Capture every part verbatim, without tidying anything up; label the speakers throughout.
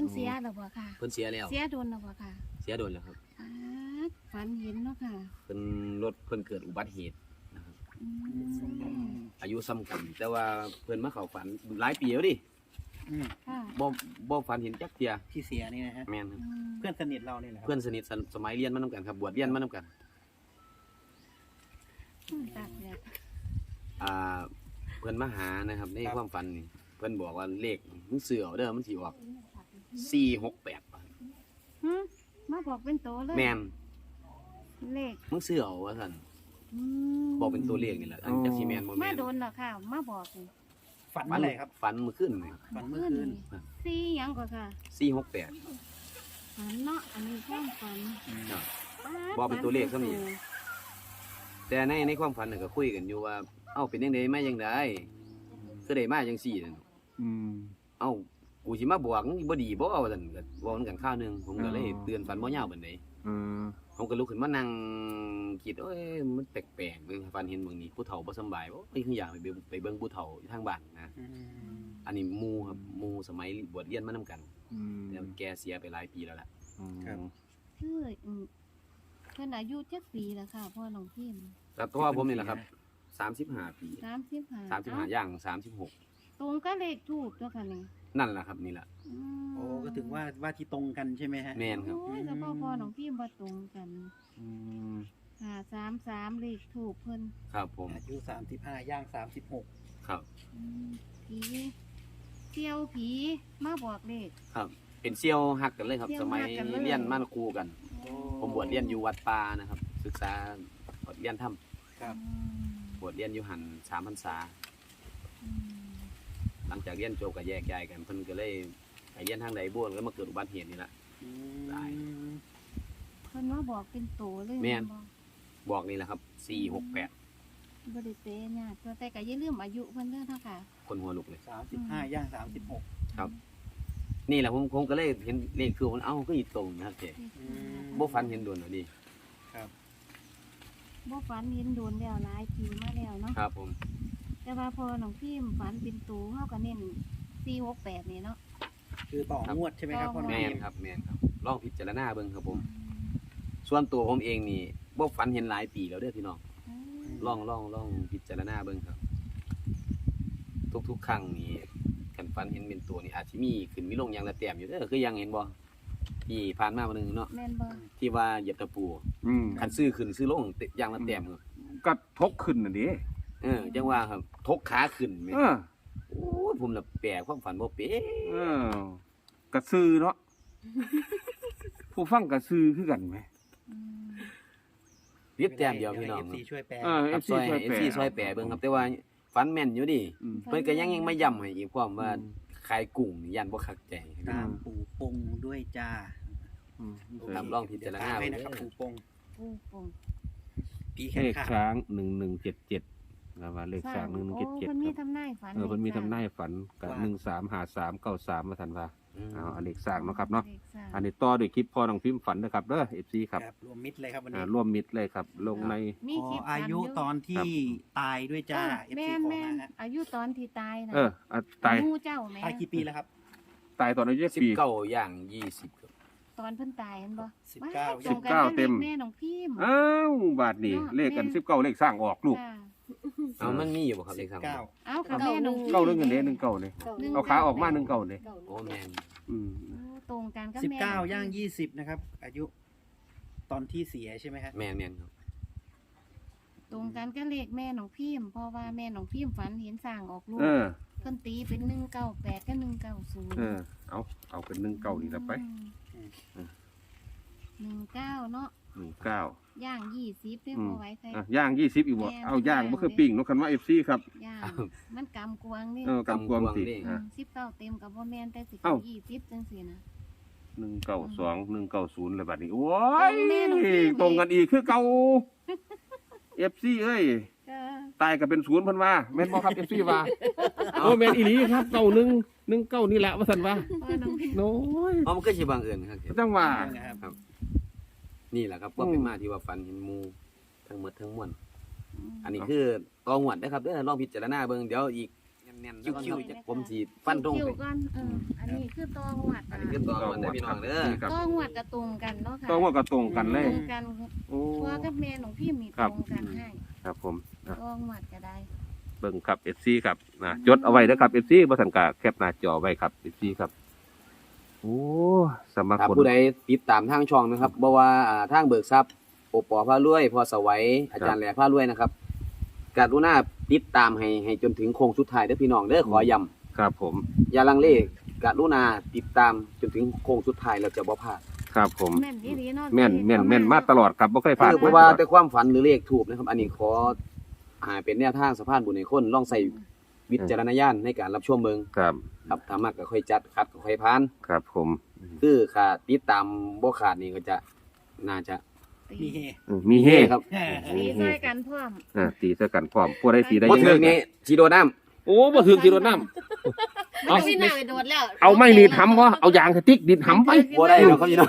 Speaker 1: พิ่นเสียแล้วบ่ค่ะ
Speaker 2: เพิ่นเสียแล้ว
Speaker 1: เสียโดนแล้วบ่ค่ะ
Speaker 2: เสียโดนแล้วครับ
Speaker 1: อ่าฝันเห็นเนาะค่ะ
Speaker 2: เพิ่นรถเพิ่นเกิดอุบัติเหตุนะครับ
Speaker 1: อืม
Speaker 2: อายุซ้ำกัน แต่ว่าเพิ่นมาเข้าฝันหลายปีแล้วดิ
Speaker 3: อืม
Speaker 1: ค่ะ
Speaker 2: บ่บ่ฝันเห็นจักเที่ย
Speaker 3: ที่เสียนี่นะฮะ
Speaker 2: แม่นครับ
Speaker 1: อืม
Speaker 3: เพื่อนสนิทเราเนี่ยแหละครับ
Speaker 2: เพื่อนสนิทสสมัยเรียนมานํกันครับบวชเรียนมานํกัน
Speaker 1: ตากแดด
Speaker 2: อ่าเพิ่นมาหานะครับในความฝันนี่เพิ่นบอกว่าเลขมึงซื้อเอาเด้อมันสิออกสี่หกแปด
Speaker 1: หึมาบอกเป็นโตเลย
Speaker 2: แม่น
Speaker 1: เลข
Speaker 2: มึงซื้อเอาว่าซั่น
Speaker 1: อืม
Speaker 2: บอกเป็นตัวเลขนี่แหละอันจักสิแม่นบ่
Speaker 1: มา
Speaker 2: แม่น
Speaker 1: โดนเหรอค่ะ มาบอกนี่
Speaker 3: ฝันเมื่อไหร่ครับ
Speaker 2: ฝันเมื่อคืนนี่
Speaker 3: ฝันเมื่อคืน
Speaker 1: สี่หยังก็ค่ะ
Speaker 2: สี่หกแปด
Speaker 1: ฝันเนาะอันนี้ความฝัน
Speaker 2: ครับ
Speaker 1: ป๊าด
Speaker 2: บอกเป็นตัวเลขซะนี่
Speaker 1: ฝัน
Speaker 2: แต่ในในความฝันน่ะก็คุยกันอยู่ว่าเอ้าเป็นจังไดมาจังไดคือได้มาจังซี่นั่น
Speaker 4: อืม
Speaker 2: เอ้ากูสิมาบอกมึงบ่ดีบ่ว่าซั่นก็เว้ากันข้าวหนึงผมก็เลย
Speaker 4: อ๋อ
Speaker 2: เตือนฝันบ่ยาวปานใด
Speaker 4: อืม
Speaker 2: ผมก็ลุกขึ้นมานั่งคิดเอ้ยมันแปลกๆเบิ่งฝันเห็นเบิ่งนี่ผู้เฒ่าบ่สำบายบ่เอ้ยคืออยากไปเบิ่งไปเบิ่งผู้เฒ่าอยู่ทางบ้านนะ
Speaker 3: อืม
Speaker 2: อันนี้หมู่ครับหมู่สมัยบวชเรียนมานํกัน
Speaker 4: อืม
Speaker 2: แต่แกเสียไปหลายปีแล้วล่ะ
Speaker 3: ครับ
Speaker 1: คืออืมเพิ่นอายุจักปีแล้วค่ะพ่อน้องพิมพ์
Speaker 2: แต่ตัวผมนี่แหละครับสามสิบห้าปี
Speaker 1: สามสิบห้า
Speaker 2: สามสิบห้าย่างสามสิบหก
Speaker 1: ตรงก็เลขถูกตัวค่ะนี่
Speaker 2: นั่นแหละครับนี่แหละ
Speaker 1: อืม
Speaker 3: โอ้ก็ถึงว่าว่าที่ตรงกันใช่ไหมฮะ
Speaker 2: แม่นครับ
Speaker 1: โอ้ยแล้วพ่อพ่อน้องพิมพ์บ่ตรงกัน
Speaker 4: อืม
Speaker 1: ห้าสามสามเลขถูกเพิ่น
Speaker 2: ครับผม
Speaker 3: อายุสามสิบห้าย่างสามสิบหก
Speaker 2: ครับ
Speaker 1: อืมผีเที่ยวผีมาบอกเลข
Speaker 2: ครับ เป็นเซี่ยวฮักกันเลยครับ
Speaker 1: เซี่ยว
Speaker 2: สมัย
Speaker 1: ฮักกันเลย
Speaker 2: เรียนมาครูกัน ผมบวชเรียนอยู่วัดป่านะครับ ศึกษาบวชเรียนถ้
Speaker 3: ครับ
Speaker 1: อืม
Speaker 2: ำบวชเรียนอยู่หันสามพรรษา
Speaker 1: อืม
Speaker 2: หลังจากเรียนจบก็แยกย้ายกันเพิ่นก็เลยไปเรียนทางใดบ้วนแล้วมาเกิดอุบัติเหตุนี่ละ
Speaker 3: อื
Speaker 2: ได้
Speaker 3: ม
Speaker 1: เพิ่นมาบอกเป็นโตเลย
Speaker 2: แม่น
Speaker 1: บอก
Speaker 2: บอกนี่แหละครับสี่หกแปด
Speaker 1: บ่ได้เตะยากแต่ก็อย่าลืมอายุเพิ่นเด้อเนาะค่ะ
Speaker 2: คนหัวลุกเลย
Speaker 3: สามสิบห้าย่างสามสิบหก
Speaker 2: ครับ นี่แหละผมผมก็เลยเห็นเลขคือมันเอ้าก็อยู่ตรงนะครับเจ๊
Speaker 3: อืม
Speaker 2: บ่ฟันเห็นโดนหน่อยดิ
Speaker 3: ครับ
Speaker 1: บ่ฝันเห็นโดนแล้วหลายปีมาแล้วเนาะ
Speaker 2: ครับผม
Speaker 1: แต่ว่าพอน้องพิมพ์ฝันเป็นตูเฮาก็เน้นสี่หกแปดนี่เนาะ
Speaker 3: คือต่องวดใช่ไหมครับพ่อหนุ่
Speaker 2: แม
Speaker 3: ม
Speaker 2: นครับแมนครับลองพิจารณาเบิ่งครับผม ส่วนตัวผมเองนี่บ่ฝันเห็นหลายปีแล้วเด้อพี่น้อง
Speaker 1: อืม
Speaker 2: ลองลองลองพิจารณาเบิ่งครับ ทุกๆครั้งนี่กันฝันเห็นเป็นตัวนี่อาจสิมีขึ้นมีลงอย่างละแต้มอยู่เด้อคือยังเห็นบ่ที่ผ่านมาวันหนึงเนาะ
Speaker 1: แม่นบ่
Speaker 2: ที่ว่าเหยียบตะปู
Speaker 4: อืม
Speaker 2: คันซื้อขึ้นซื้อลงอย่างละแต้มครับ
Speaker 4: ก็ทกขึ้นน่ะดิ
Speaker 2: เออจังว่าครับทกขาขึ้นแม่
Speaker 4: เออ
Speaker 2: โอ้ยผมน่ะแปลความฝันบ่เป็น
Speaker 4: เออกระซือเนาะ ผู้ฟังกระซือคือกันไหม
Speaker 1: อืม
Speaker 2: เรียบแต้มเดียวพี่น้อง
Speaker 3: เอฟซีช่วยแปล
Speaker 4: เออ
Speaker 2: ครับ
Speaker 4: เอฟซี
Speaker 2: ซอย
Speaker 4: ช่วย
Speaker 2: เอ
Speaker 4: แป
Speaker 2: ฟ
Speaker 4: ล
Speaker 2: ซีซอยแปะเบิ่งครับ แต่ว่าฝันแม่นอยู่ดิ
Speaker 4: อืม
Speaker 2: เพิ่นก็ยังยังมาย้ำให้อีกพร้อมว่า
Speaker 4: อืม
Speaker 2: ขายกุ้งนี่ยันบ่คักใจ
Speaker 3: ตามปู่ปงด้วยจ้า
Speaker 4: อืม
Speaker 2: ครับลองพิจารณา
Speaker 3: เดี๋ยวตมให้นะครับปู่ปง
Speaker 1: ปูปง
Speaker 3: ปีแข
Speaker 4: เล
Speaker 3: น
Speaker 4: ข
Speaker 3: ขาด
Speaker 4: ช้างหนึ่งหนึ่งเจ็ดเจ็ดนะว่าเลขช้างหนึ่งหนึ่ง
Speaker 1: โอ้
Speaker 4: เจ็ดเจ็ด
Speaker 1: เพิ่นมี
Speaker 4: ครับ
Speaker 1: ทำนายฝัน
Speaker 4: เออเพิ่นมี
Speaker 1: ลขส
Speaker 4: ทำนายฝันกับหนึ่งสามหาสามเก้าสามมาทันว่า
Speaker 2: อืม
Speaker 4: เอาเอาเลขสร้างเนาะครับเนาะ
Speaker 1: ลขสาม
Speaker 4: อันนี้ต่อด้วยคลิปพ่อน้องพิมพ์ฝันนะครับเด้อเอฟซีครับ
Speaker 3: ครับรวมมิตรเลยครับวัน
Speaker 4: อ่า
Speaker 3: นี้
Speaker 4: ร่วมมิตรเลยครับ ลงใน
Speaker 1: มี
Speaker 3: ขอ
Speaker 1: คลิป
Speaker 3: อายุตอนที่ตายด้วยจ้าเอฟ
Speaker 1: แม่
Speaker 3: ซี
Speaker 1: น
Speaker 3: ขอ
Speaker 1: แม่
Speaker 3: มาน ฮะ
Speaker 1: อายุตอนที่ตายนะ
Speaker 4: เอออ่ะตาย
Speaker 1: หมู่เจ้าแม่
Speaker 3: ตายกี่ปีแล้วครับ
Speaker 4: ตายตอนอายุ
Speaker 2: สิบ
Speaker 4: ปี
Speaker 2: เก้าย่างยี่สิบครับ
Speaker 1: ตอนเพิ่นตายเห็นบ่
Speaker 3: สิบเก้า
Speaker 1: ว้ยตรงกัน
Speaker 4: สิบเก้า
Speaker 1: กับ
Speaker 4: เต็ม
Speaker 1: แม่น้องพิมพ์
Speaker 4: อ้าวบาทนี่
Speaker 1: เนาะ
Speaker 4: เลขกัน
Speaker 1: แม่
Speaker 4: สิบเก้าเลขสร้างออกลูก
Speaker 1: ค่ะ
Speaker 2: เอามันมีอยู่บ่ครับเลขสาม
Speaker 3: เก้า
Speaker 1: เอากับแม่น้องพิมพ์
Speaker 4: เก้าเรื่องเงินเด้หนึ่งเก้าเลย
Speaker 1: หนึ่ง
Speaker 4: เอาขาออกมาหนึ่งเก้าเลย
Speaker 2: โอ้แม่น
Speaker 4: อืม
Speaker 1: โอ้ตรงกันกับ
Speaker 3: สิบ
Speaker 1: แม่
Speaker 3: เก้า
Speaker 1: น้องพิมพ์
Speaker 3: ย่างยี่สิบนะครับ อายุ ตอนที่เสียใช่ไหมฮะ
Speaker 2: แม่นแม่นครับ
Speaker 1: ตรงกันก็เลขแม่น้องพิมพ์เพราะว่าแม่น้องพิมพ์ฝันเห็นสร้างออกลูก
Speaker 4: เออ
Speaker 1: เพิ่นตีเป็นหนึ่งเก้าแปดกับหนึ่งเก้าศูนย์
Speaker 4: เออ เอาเอาเป็นหนึ่งเก้านี่ละไป
Speaker 1: หนึ่งเก้าเนาะ
Speaker 4: หนึ่งเก้า
Speaker 1: ย่างยี่สิบได้
Speaker 4: อืม
Speaker 1: พอไว้ใส่
Speaker 4: อ่ะย่างยี่สิบอีกบ่
Speaker 1: แม่
Speaker 4: เอาย่าง
Speaker 1: แม่
Speaker 4: บ่คือปิ้งเนกคันว่าเอฟซีครับ
Speaker 1: ย่างมันกำกวางนี่
Speaker 4: เออกำกวมติอ่ะ
Speaker 1: สิบเก้าเต็มกับบ่แม่นแต่สิ
Speaker 4: เอ้า
Speaker 1: ยี่สิบจังซี่นะ
Speaker 4: หนึ่งเก้าสองหนึ่งเก้าศูนย์เลยบัดนี้โอ้ย
Speaker 1: แม่น้องพิมพ์
Speaker 4: ตรงกันอีกคือเก่าเอฟซีเอ้ย
Speaker 1: ก็
Speaker 4: ตายก็เป็นศูนย์เพันว่าแม่นบ่ครับเอฟซีว่าโอ้แม่นอีหลีครับเก้าหนึ่งหนึ่งเก้านี่แหละว่าซั่นว่า
Speaker 1: พ่อน้องพิมพ์
Speaker 4: โน้ย
Speaker 2: เอามันก็สิบังเอิญครับ
Speaker 4: จังว่า
Speaker 3: นะครับ
Speaker 2: ครับ นี่แหละครับก็เป็นมาที่ว่าฝันเห็นหมู่ทั้งหมดทั้งมวลอันนี้คือตองหวดนะครับเด้อลองพิจารณาเบิ่งเดี๋ยวอีกแน่นๆแล้วก็ผมสิฟันตรง
Speaker 1: คิว
Speaker 2: ไป
Speaker 1: ๆก่อนเอออันนี้คือตองหวัด
Speaker 2: อันนี้คือตัวมันได้พี่น้องเด้อ
Speaker 4: ครับ
Speaker 1: ตองหวัดกระตรงกันเนาะค่ะ
Speaker 4: ต้องว่ากระตรงกันเลย
Speaker 1: ตรงกัน
Speaker 4: โอ้
Speaker 1: พ่อกับแม่น้องพิมพ์มี
Speaker 4: ครั
Speaker 1: ต
Speaker 4: บ
Speaker 1: รงกันให้
Speaker 4: ครับผมอ่ะ
Speaker 1: ตองหวัดก็ได้
Speaker 4: เบิ่งครับ เอฟ ซี ครับนะจดเอาไว้เด้อครับ เอฟ ซี บ่ทันกะแคปหน้าจอไว้ครับ เอฟ ซี ครับโอ้สำหรับ
Speaker 2: ถ้า
Speaker 4: คน
Speaker 2: ผู้ใดติดตามทางช่องนะครับบ่ว่าอ่าทางเบิกทรัพย์โอปอพารวยพอสวัยอาจารย์แหล่พารวยนะครับกรุณาติดตามให้ให้จนถึงโค้งสุดท้ายเด้อพี่น้องเด้อขอย้ำ
Speaker 4: ครับผม
Speaker 2: อย่าลังเลกรุณาติดตามจนถึงโค้งสุดท้ายแล้วจะบ่พลาด
Speaker 4: ครับผม
Speaker 1: แม่นดีๆเนาะ
Speaker 4: แม่นแม่นแม่นมาตลอดครับบ่เคยพลาด
Speaker 2: คือเพราะว่าแต่ความฝันหรือเลขถูกนะครับ อันนี้ขอหาเป็นแนวทางสะพานบุญให้คนลองใส่วิจารณญาณในการรับชมเบิ่ง
Speaker 4: ครับ
Speaker 2: ครับถ้ามักก็ค่อยจัดคัดก็ค่อยผ่าน
Speaker 4: ครับผม
Speaker 2: คือขาดติดตามบ่ขาดนี่ก็จะน่าจะ
Speaker 3: มีเฮ
Speaker 4: อืมมีเฮ
Speaker 2: ครับ
Speaker 1: ตีใส่กันพร้อม
Speaker 4: อ่าตีซะกันพร้อมผู้ใดสีได้
Speaker 2: บ่
Speaker 4: ยัง
Speaker 2: ถึ
Speaker 4: ไง
Speaker 2: งนี่สิโดนน้ำ
Speaker 4: โอ้บ่ถึงกิโลน้ำ
Speaker 1: มันไม่น่าไปโดดแล้ว
Speaker 4: เอาไม่ดีดหำบ่เอายางสติ๊กดีดหำไป
Speaker 2: บ่ได้หรอกครับพี่น้อง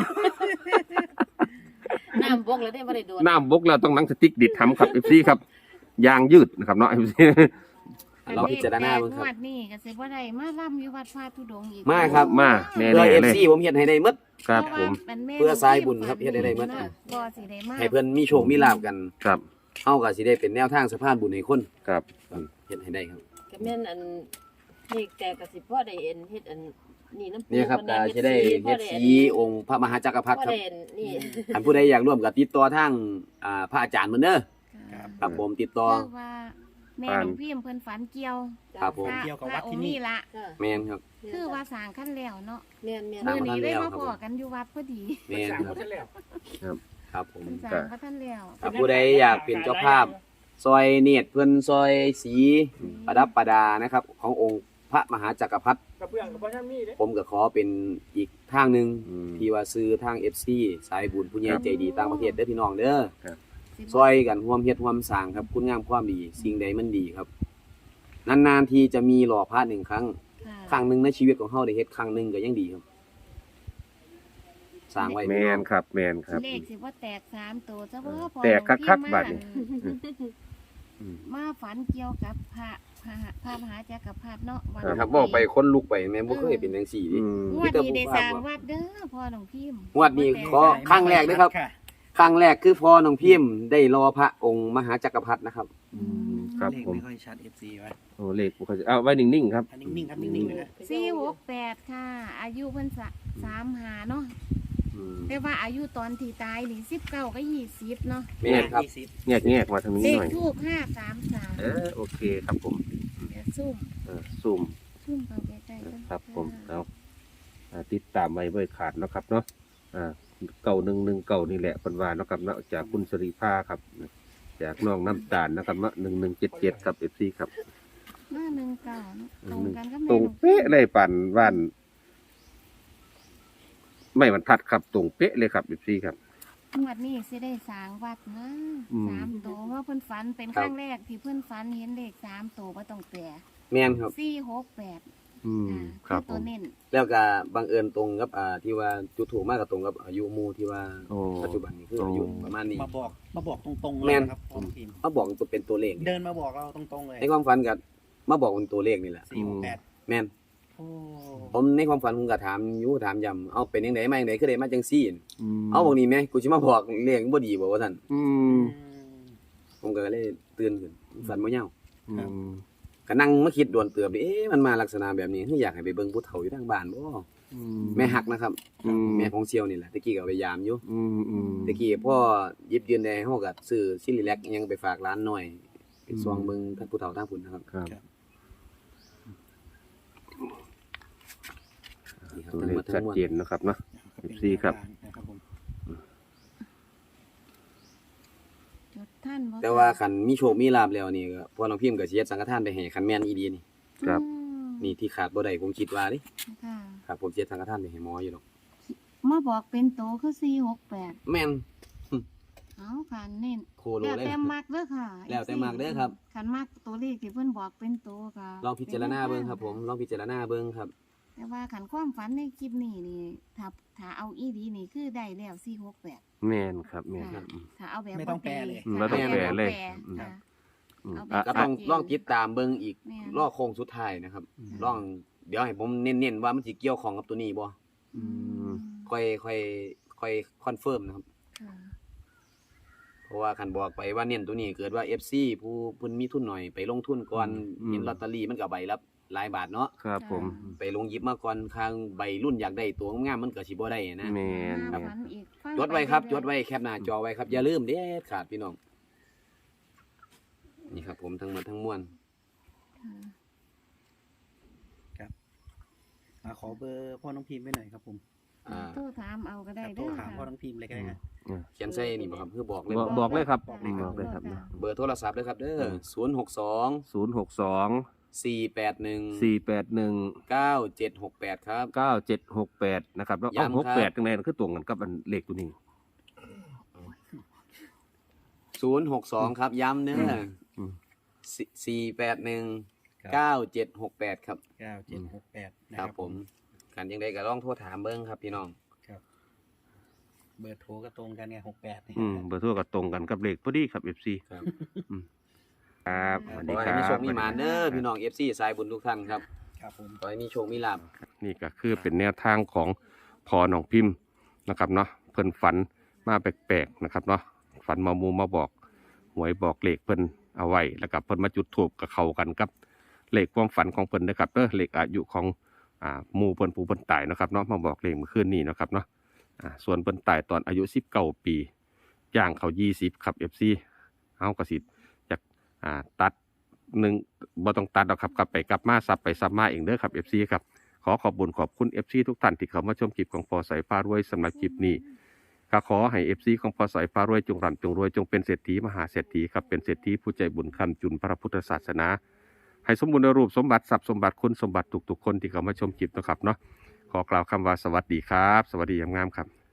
Speaker 1: น้ำบกแล้วได้บ่ได้โดด
Speaker 4: น้ำบกแล้วต้องหนังสติ๊กดีดหำครับ เอฟ ซี ครับยางยืดนะครับเนาะ เอฟ ซี
Speaker 2: เราพิจารณาเบิ่ง
Speaker 1: ง
Speaker 2: ครับ
Speaker 1: วดนี้ก็สิบ่ได้มาล่ำอยู่วัดพระธุดงค์อีก
Speaker 2: มาครับ
Speaker 4: มาแน่
Speaker 2: เพื่อ
Speaker 4: ๆ
Speaker 2: เอฟ
Speaker 4: เลย
Speaker 2: ซีผมเฮ็ดให้ได้หมด
Speaker 4: ครับผม
Speaker 2: เพื่อสายบุญครับเฮ็ดให้ได้หมด
Speaker 1: บ่สิได้มา
Speaker 2: ให้เพิ่นมีโชคมีลาภกัน
Speaker 4: ครับ
Speaker 2: เฮาก็สิได้เป็นแนวทางสะพานบุญให้คน
Speaker 4: ครับ
Speaker 2: เฮ็ดให้ได้ครับ
Speaker 5: ก็แม่นอันนี่แต่ก็สิพ่อได้เอ็นเฮ็ดอันนี่น้ำปู
Speaker 2: นี่ครับก็สิได้เฮ็ดสีองค์พระมหาจักรพรรดิ
Speaker 5: พ่อ
Speaker 2: ครับ
Speaker 5: ได้เอ็นนี่
Speaker 2: ท่านผู้ใดอยากร่วมก็ติดต่อทางอ่าพระอาจารย์เพิ่นเด้อ
Speaker 1: ค่ะ
Speaker 2: ครับผมติดต่อ
Speaker 1: คือว่าแม่หลวงพี่เพิ่นฝันเกี่ยว
Speaker 2: ครับผม
Speaker 1: พระ
Speaker 3: เกี่ยวกับ
Speaker 1: พ
Speaker 3: วั
Speaker 1: ระ
Speaker 3: ด
Speaker 1: อ
Speaker 3: ที่
Speaker 1: งค์
Speaker 3: นี่
Speaker 1: นี่ละ
Speaker 5: ค่ะ
Speaker 2: แม่นครับ
Speaker 1: คือว่าสร้างขั้นแล้วเนาะ
Speaker 5: แม่นแม่น
Speaker 2: สร้าง
Speaker 1: มื้อนี้
Speaker 2: ขั้น
Speaker 1: ได้
Speaker 2: แล้ว
Speaker 1: มา
Speaker 2: ครับ
Speaker 1: พอกันอยู่วัดพอดี
Speaker 2: แม่นครับครับผม
Speaker 1: เพิ่นสร้างพระท่านแล้ว
Speaker 2: ถ้าผู้ใดอยากเป็นเจ้าภาพ ซอยเนียดเพิ่นซอยสีประดับประดานะครับ ขององค์พระมหาจักรพรรดิผมก็ขอเป็นอีกทางหนึง
Speaker 4: อืม
Speaker 2: ที่ว่าซื้อทาง เอฟ ซี สายบุญผู้ใหญ่ใจดีต่างประเทศเด้อพี่น้องเด้อ
Speaker 1: สิบ่
Speaker 2: ซอยกันร่วมเฮ็ดร่วมสร้างครับคุณงามความดีสิ่งใดมันดีครับนานๆทีจะมีหล่อพระหนึ่งครั้ง
Speaker 1: ค่ะ
Speaker 2: ครั้งหนึ่งในชีวิตของเฮาได้เฮ็ดครั้งหนึ่งก็ยังดีครับสร้างไว้
Speaker 4: แมนครับแมนครับ
Speaker 1: เลขสิบ่แตกสามตัวซะบ่พอ
Speaker 4: แตกคักๆ
Speaker 1: หลวงพี่
Speaker 4: บัดนี้
Speaker 1: มา
Speaker 4: อืม
Speaker 1: มาฝันเกี่ยวกับพระพระพระมหาจักรพรรดิเนาะวัน
Speaker 2: ครับบอกไปคนลุกไปแม่บ่เคยเป็นจังซี่ดิ
Speaker 4: อืม
Speaker 1: งวดนี้ได้สร้างวัดเด้อพ่อหลวงพี่
Speaker 2: งวดนี้ขอครั้งแรกนะครับ ครั้งแรกคือพ่อน้องพิมพ์ได้รอพระองค์มหาจักรพรรดินะครับ
Speaker 4: อืมครับ
Speaker 3: เลข
Speaker 4: ผม
Speaker 3: ไม่ค่อยชัด เอฟ ซี ไว้
Speaker 4: โอ้เลขบ่ค่อยจะเอาไว้นิ่งๆครับ
Speaker 3: อันนิ่งๆครับนิ่งๆเลยนะ
Speaker 1: สี่หกแปดค่ะ อายุเพิ่นสะสามหาเนาะ
Speaker 4: อืม
Speaker 1: แต่ว่าอายุตอนที่ตายนี่สิบเก้าก็ยี่สิบเนาะ
Speaker 2: แม่นครับ
Speaker 3: ยี่สิบ
Speaker 4: แงกๆมาทางนี้
Speaker 1: เล
Speaker 4: ห
Speaker 1: ข
Speaker 4: น่อย
Speaker 1: ทูบห้าสามสาม
Speaker 4: เออโอเคครับผม
Speaker 1: เดี๋ยวซุ่ม
Speaker 4: เออซูม
Speaker 1: ซุ่มเข้าใกล้ๆกัน
Speaker 4: ครับผมเอาอ่าติดตามไว้เบ่อยขาดเนาะครับเนาะอ่าเก่าหนึ่งหนึ่งเก่านี่แหละคนว่าเนาะครับเนาะจากคุณสรีภาครับ จากน้องน้ำตาลนะครับเนาะหนึ่งหนึ่งเจ็ดเจ็ดครับเอฟซีครับ
Speaker 1: หน้าหนึ่งเก้าเนาะตรงกันก็
Speaker 4: ตร
Speaker 1: แม่
Speaker 4: ง
Speaker 1: หลวง
Speaker 4: เป๊ะเลยปั่นว่าน ไม่บรรทัดครับตรงเป๊ะเลยครับเอฟซีครับ
Speaker 1: งวดนี้สิได้สร้างวัดนะ
Speaker 4: อืม
Speaker 1: สามตัวว่าเพิ่นฝันเป็น
Speaker 2: ค
Speaker 1: ครับ รั้งแรกที่เพิ่นฝันเห็นเลขสามตัวบ่ต้องแปล
Speaker 2: แม่นครับ
Speaker 1: สี่หกแปด
Speaker 4: อืม
Speaker 1: อ่า
Speaker 4: ครับผ
Speaker 1: ตัว
Speaker 4: ม
Speaker 1: เน้น
Speaker 2: แล้วก็บังเอิญตรงกับอ่าที่ว่าจุดถูกมากกับตรงกับอายุหมู่ที่ว่า
Speaker 4: โอ้
Speaker 2: ปัจจุบันนี้คืออายุประมาณนี้
Speaker 3: มาบอกมาบอกตรงๆเล
Speaker 2: แม่
Speaker 3: ย
Speaker 2: น
Speaker 3: นะครับพ่อพิมพ์
Speaker 2: มาบอกตัวเป็นตัวเลข
Speaker 3: เดินมาบอกเราตรงๆเลย
Speaker 2: ในความฝันก็มาบอกเป็นตัวเลขนี่แหละ
Speaker 3: สี่หกแปด
Speaker 2: แม่น
Speaker 3: โอ้
Speaker 2: ผมในความฝันผมก็ถามอยู่ถามย้ำเอาเป็นจังไดมาจังไดคือได้มาจังซี่
Speaker 4: อืม
Speaker 2: เอาบอกนี้แม่กูสิมาบอกเลขบ่ดีบ่ว่าซั่น
Speaker 4: อื
Speaker 3: อื
Speaker 4: ม
Speaker 3: ม
Speaker 2: ผมก็เลยตื่นขึ้นฝันบ่ยาว
Speaker 4: อืม
Speaker 2: ก็นั่งมาคิดดวนเตือบดิเอ๊ะมันมาลักษณะแบบนี้คืออยากให้ไปเบิ่งผู้เฒ่าอยู่ทางบ้านบ่
Speaker 4: อื
Speaker 2: แม่ฮักนะครับ
Speaker 4: อืม
Speaker 2: แม่ของเซียวนี่แหละตะกี้ก็เอาไปยามอยู่
Speaker 4: อืมอืม
Speaker 2: ตะกี้พ่อหยิบยืนได้เฮาก็ซื้อซิลิแลกอิหยังไปฝากร้านหน่อยไปซองเบิ่งท่านผู้เฒ่าทางพุ่นนะครับ
Speaker 4: ครับ
Speaker 2: นี่ครับ
Speaker 4: ตัว
Speaker 2: ทั้ง
Speaker 4: เล
Speaker 2: หม
Speaker 4: ข
Speaker 2: ดทั้
Speaker 4: ชัด
Speaker 2: งมวล
Speaker 4: เจนนะครับเนาะ สิบสี่ครับ
Speaker 3: นะครับผม
Speaker 1: จดท่านบ่
Speaker 2: แต่ว่าคันมีโชคมีลาภแล้วนี่ก็พ่อน้องพิมพ์ก็สิเฮ็ดสังฆทานไปให้คันแม่นอีดีนี่
Speaker 4: ครับ
Speaker 1: อืม
Speaker 2: นี่ที่ขาดบ่ได้ผมคิดว่าดิ
Speaker 1: ค่ะ
Speaker 2: ครับผมสิเฮ็ดสังฆทานไปให้หมออยู่ดอก
Speaker 1: มาบอกเป็นโตคือสี่หกแปด
Speaker 2: แม่น
Speaker 1: เอาค่ะเน้น
Speaker 2: โคโล
Speaker 1: แล้ว
Speaker 2: เลย
Speaker 1: แต่มักเด้อค่ะ
Speaker 2: แล้วแต่มักเด้อครับ
Speaker 1: คันมักตัวเลขที่เพิ่นบอกเป็นโตค่ะ
Speaker 2: ลองพิจารณาเบิ่งครับ ผมลองพิจารณาเบิ่งครับ
Speaker 1: แต่ว่าขันความฝันในคลิปนี้นี่ถ้าถ้าเอาอีดีนี่คือได้แล้วสี่หกแปด
Speaker 4: แม่นครับแม่นค
Speaker 1: ค่ะ
Speaker 4: รับอืม
Speaker 1: ถ้าเอาแบบ
Speaker 3: ไม่ต้องแปลเลย
Speaker 4: อืมไม่ต้องแปลเลย
Speaker 1: ค่ะ
Speaker 4: อืม
Speaker 1: ค่ะ
Speaker 4: อืม
Speaker 1: เอาแบ
Speaker 4: อ่ะ
Speaker 1: บ
Speaker 2: ก็ต้อง
Speaker 1: ชัดเจน
Speaker 2: ลองติดตามเบิ่งอีก
Speaker 1: แม่น
Speaker 2: รอโค้งสุดท้ายนะครับ
Speaker 3: อืม
Speaker 2: ลองเดี๋ยวให้ผมเน้นๆว่ามันสิเกี่ยวข้องกับตัวนี้บ่
Speaker 4: อืม
Speaker 2: ค่อยค่อยค่อยคอนเฟิร์มนะครับ
Speaker 1: ค่ะ
Speaker 2: เพราะว่าคันบอกไปว่าเน้นตัวนี้เกิดว่า เอฟ ซี ผู้เพิ่นมีทุนหน่อยไปลงทุนก่อน
Speaker 4: อืม
Speaker 2: เห็นลอตเตอรี่มันก็ใบละหลายบาทเนาะ
Speaker 4: ครับผม
Speaker 2: ไปลงหยิบมาก่อนข้างใบรุ่นอยากได้ตัวงามๆมันก็สิบ่ได้นะ
Speaker 4: แมน
Speaker 1: ค
Speaker 4: ค
Speaker 1: รั
Speaker 4: รั
Speaker 1: บบ อีกฟัง
Speaker 2: จดไว้ครับ
Speaker 1: ป
Speaker 2: จดไว้แคปหน้าจอไว้ครับ อย่าลืมเด็ดขาดพี่น้อง นี่ครับผมทั้งหมดทั้งมวล
Speaker 1: ค่ะ
Speaker 3: อ่าขอเบอร์พ่อน้องพิมพ์ไว้หน่อยครับผม
Speaker 2: อ่า
Speaker 1: โทรถามเอาก็ได้
Speaker 3: ครับโท
Speaker 1: เด้
Speaker 3: ร
Speaker 1: อ
Speaker 3: ถามพ่อ
Speaker 1: ค่ะ
Speaker 3: น้องพิมพ์เลยก็ได้นะ
Speaker 2: เขียนใส่นี่บ่ครับคือบอกเลย
Speaker 4: บอก
Speaker 2: บ่
Speaker 4: บอกเลยครับ
Speaker 3: บอกเลยครับ
Speaker 4: บอกเลยครับนะ
Speaker 2: เบอร์โทรศัพท์เลยครับเด้อศูนย์หกสอง
Speaker 4: ศูนย์หกสอง
Speaker 2: สี่แปดหนึ่ง
Speaker 4: สี่แปดหนึ่ง
Speaker 2: เก้าเจ็ดหกแปดครับ
Speaker 4: เก้าเจ็ดหกแปดนะครับแล้ว
Speaker 2: ย้ำ
Speaker 4: เอาหก
Speaker 2: ครั
Speaker 4: แปด
Speaker 2: บ
Speaker 4: ตรงไหนคือตรงกันกับอันเลขตัวนี้
Speaker 2: ศูนย์หกสองครับย้ำเด้อ
Speaker 4: อืม
Speaker 2: สี่แปดหนึ่ง
Speaker 3: ครับ
Speaker 2: เก้าเจ็ดหกแปดครับ
Speaker 3: เก้าเจ็ดหกแปดนะ
Speaker 2: ค
Speaker 3: ค
Speaker 2: รั
Speaker 3: รั
Speaker 2: บบ ผมการยังไดก็ลองโทรถามเบิ้งครับพี่น้อง
Speaker 3: ครับ เบอร์โทรก็ตรงกันไงหกแปดนี่
Speaker 4: อืมเบอร์โทรก็ตรงกันกับเลขพอดีครับ เอฟ ซี
Speaker 2: ครับ
Speaker 4: ครับส
Speaker 2: ข
Speaker 4: วั
Speaker 2: อ
Speaker 4: สดีค
Speaker 2: ให้
Speaker 4: รับ
Speaker 2: มีโชคมีหมานเด้อพี่น้อง เอฟ ซี สายบุญทุกท่านครับ
Speaker 3: ครับผม
Speaker 2: ขอให้มีโชคมีลาภ
Speaker 4: นี่ก็คือเป็นแนวทางของพอหนองพิมพ์นะครับเนาะเพิ่นฝันมาแปลกๆนะครับเนาะฝันมามูมาบอกหวยบอกเลขเพิ่นเอาไว้แล้วก็เพิ่นมาจุดธูปกับเข้ากันกับเลขความฝันของเพิ่นนะครับเด้อเลขอายุของอ่าหมู่เพิ่นผู้เพิ่นตายเนาะครับเนาะมาบอกเลขเมื่อคืนนี้เนาะครับเนาะอ่าส่วนเพิ่นตายตอนอายุสิบเก้าปีย่างเขายี่สิบครับ เอฟ ซี เฮาก็สิจากอ่าตัดหนึ่งบ่ต้องตัดหรอกครับกลับไปกลับมาซับไปซับมาเองเด้อครับ เอฟ ซี ครับขอขอบคุญขอบคุณ เอฟ ซี ทุกท่านที่เข้ามาชมคลิปของพอสายฟ้ารวยสำหรับคลิปนี้ก็ขอให้ เอฟ ซี ของพอสายฟ้ารวยจงร่ำจงรวยจงเป็นเศรษฐีมหาเศรษฐีครับเป็นเศรษฐีผู้ใจบุญคำจุนพระพุทธศาสนาให้สมบูรณ์ในรูปสมบัติทรัพย์สมบัติคุณสมบัติทุกๆคนที่เข้ามาชมคลิปนะครับเนาะขอกล่าวคำว่าสวัสดีครับ สวัสดียามงามครับ